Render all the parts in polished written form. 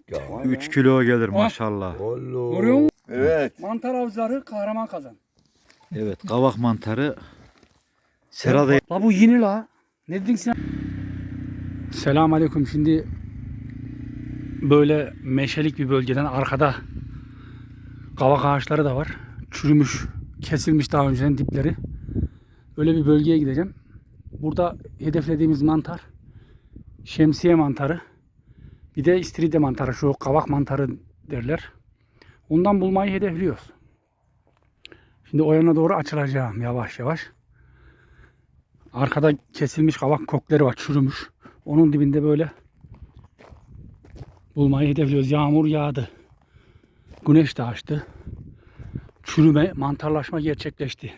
ya. 3 kilo gelir maşallah. Allah. Görüyor musun? Evet. Mantar avcıları kahraman kazan. Evet, kavak mantarı. Serada La bu yeni la. Ne dedin sen? Selamun aleyküm. Şimdi böyle meşelik bir bölgeden arkada kavak ağaçları da var. Çürümüş, kesilmiş daha önceden dipleri. Öyle bir bölgeye gideceğim. Burada hedeflediğimiz mantar şemsiye mantarı. Bir de istiridye mantarı. Şu kavak mantarı derler. Ondan bulmayı hedefliyoruz. Şimdi o yana doğru açılacağım yavaş yavaş. Arkada kesilmiş kavak kökleri var, çürümüş. Onun dibinde böyle bulmayı hedefliyoruz. Yağmur yağdı. Güneş de açtı. Çürüme, mantarlaşma gerçekleşti.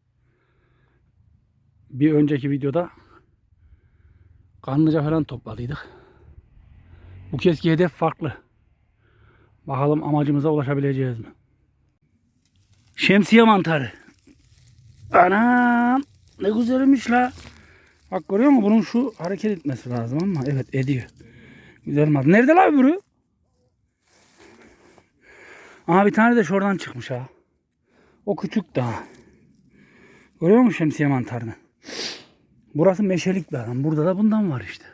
Bir önceki videoda kanlıca falan topladıydık. Bu kezki hedef farklı. Bakalım amacımıza ulaşabileceğiz mi? Şemsiye mantarı. Anam, ne güzelmiş la. Bak görüyor musun? Bunun şu hareket etmesi lazım ama evet ediyor. Güzel mantar. Nerede la öbürü? Aha bir tane de şuradan çıkmış ha. O küçük daha. Görüyor musun şemsiye mantarını? Burası meşelik bir alan. Burada da bundan var işte.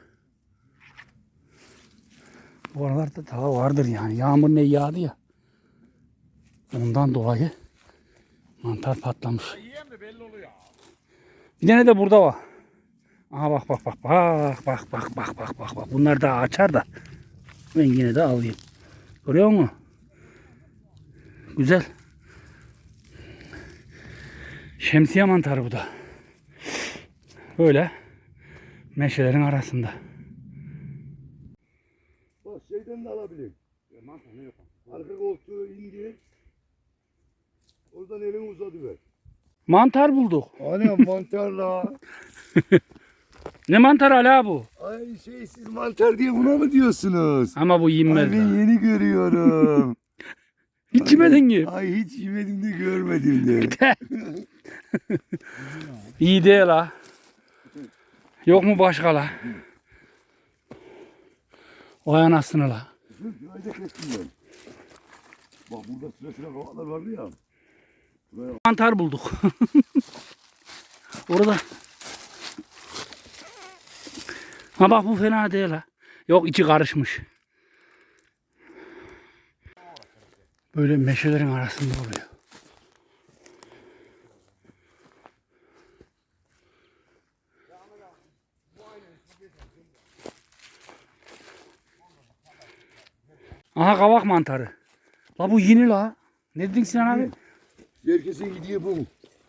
Bu aralarda daha vardır yani. Yağmur ne yağdı ya. Ondan dolayı mantar patlamış. Bir tane de burada var. Aha bak. Bak. Bunlar daha açar da. Ben yine de alayım. Görüyor musun? Güzel. Şemsiye mantarı bu da. Böyle meşelerin arasında. Bak şeyden de alabilirim. Mantar ne yok? Arka koltuğu indir. Oradan elini uzatıver. Mantar bulduk. Anam mantarla. Ne mantar hala bu? Ay siz mantar diye buna mı diyorsunuz? Ama bu Ay yenmez. ben yeni görüyorum. Hiç yemedin ki. Ay hiç yemedim de görmedim de. İyi değil la. Yok mu başka la? Vay anasını la. Şurada kestim ben. Bak burada sıra kavaklar vardı ya. Buraya Mantar bulduk. Orada. Ha bak bu fena değil ha. Yok içi karışmış. Böyle meşelerin arasında oluyor. Aha kavak mantarı. La bu yeni la. Ne dedin Sinan abi? herkesin gidiyor bu.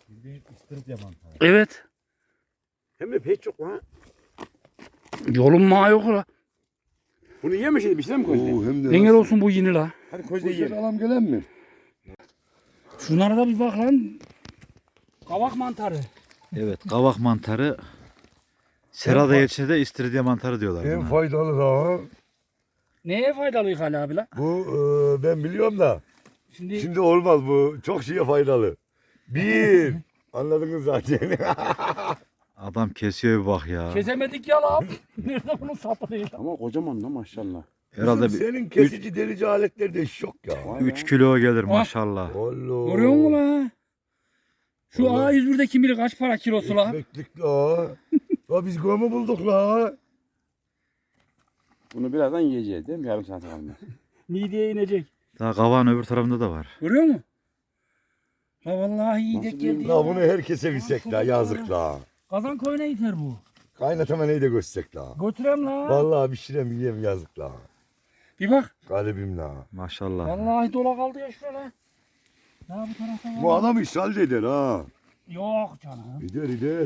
Evet. Hem de pek çok lan. Yolun ma yok la. Bunu yemişiz bir şey mi közde? Oo, hem de Engel olsun bu yeni la. Hadi közde Poşet yiyelim. alam gelen mi? Şunlara da bir bak lan. Kavak mantarı. evet, kavak mantarı. Serada ilçede istiridye mantarı diyorlar En buna. faydalı da Neye faydalı Ali abi la? bu ben biliyorum da. Şimdi Şimdi olmaz bu. Çok şeye faydalı. Bir. Anladınız zaten. Adam kesiyor bir bak ya. kesemedik ya la. Nerede bunun sapı değil? Ama kocaman da maşallah. Herhalde bir Senin kesici delici aletler de şok ya. 3 kilo gelir maşallah. Allah. Görüyor musun la? Şu Vallahi. A101'de kim bilir kaç para kilosu la? Ekmeklik la. La biz gömü bulduk la. Bunu birazdan yiyeceğiz değil mi? Yarım saat kalma. Mideye inecek. Daha kavağın öbür tarafında da var. Görüyor musun? La vallahi iyi denk geldi La ya. bunu herkese bilsek la yazık la. Kazan koyuna yeter bu. Kaynatama neyi de göstersek la. Götürem la. Vallahi bir şeyden bileyim yazık la. Bir bak. Galibim la. Maşallah. Vallahi dola kaldı ya şurada la. Ya bu tarafa var. Bu adam ishal de eder ha. Yok canım. Eder.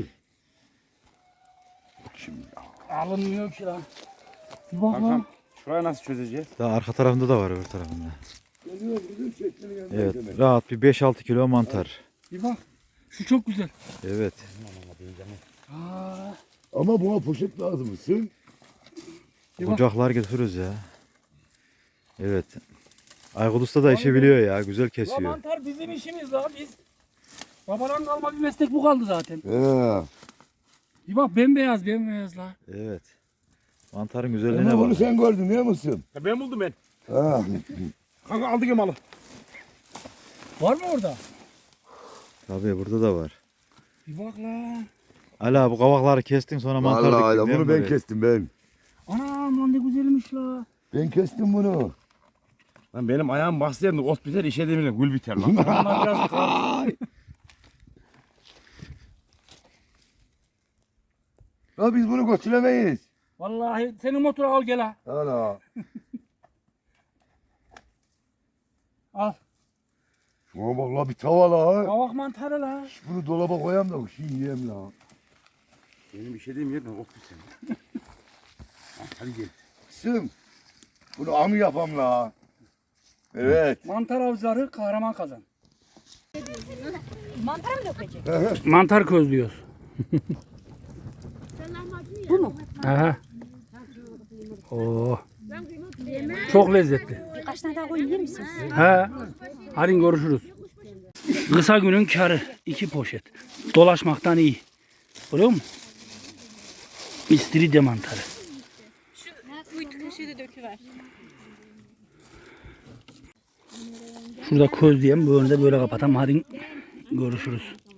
Şimdi Alınmıyor ki lan. Bir bak Kankam lan. şurayı nasıl çözeceğiz? Daha arka tarafında da var öbür tarafında. geliyor bizim çekmenin yanına Evet, demek. rahat bir 5-6 kilo mantar. Bir bak. Şu çok güzel. Evet. Aa, Ama buna poşet lazım mısın? Bir bak. Kucaklar götürürüz ya. Evet. Aykut Usta da işi biliyor ya. Güzel la kesiyor. mantar bizim işimiz la biz. Babadan kalma bir meslek bu kaldı zaten. He. Bir bak bembeyaz la. Evet. Mantarın Ama güzelliğine bunu bak. sen gördün değil misin? Ben buldum ben. Ha. Kanka aldık ya malı. Var mı orada? Tabii burada da var. Bir bak lan. Ala bu kavakları kestin sonra mantar Vallahi diktin da değil bunu mi ben buraya? kestim ben. Anam lan ne güzelmiş la. Ben kestim bunu. Lan benim ayağım bastı yerinde ot biter, işe demirle gül biter lan. Onlar biraz kal. Ya biz bunu götüremeyiz. Vallahi senin motoru al gel ha. Ana. Al. Şuna bak la bir tava la. Kavak mantarı la. Bunu dolaba koyayım da şey yiyeyim la. Benim işe demir yerine ot biter. Hadi gel. Kızım. Bunu amı yapam la. Evet. Mantar avcıları kahraman kazan. Mantar mı dökecek? Mantar közlüyoruz. Bu mu? Aha. Oo. Çok lezzetli. Birkaç tane daha koyayım yer misin? He. Hadi görüşürüz. Kısa günün karı. 2 poşet. Dolaşmaktan iyi. Biliyor musun? İstiridye mantarı. Kuytu kaşığı da döküver. Şurada közleyeyim. Bu önde böyle kapatalım. Hadi görüşürüz.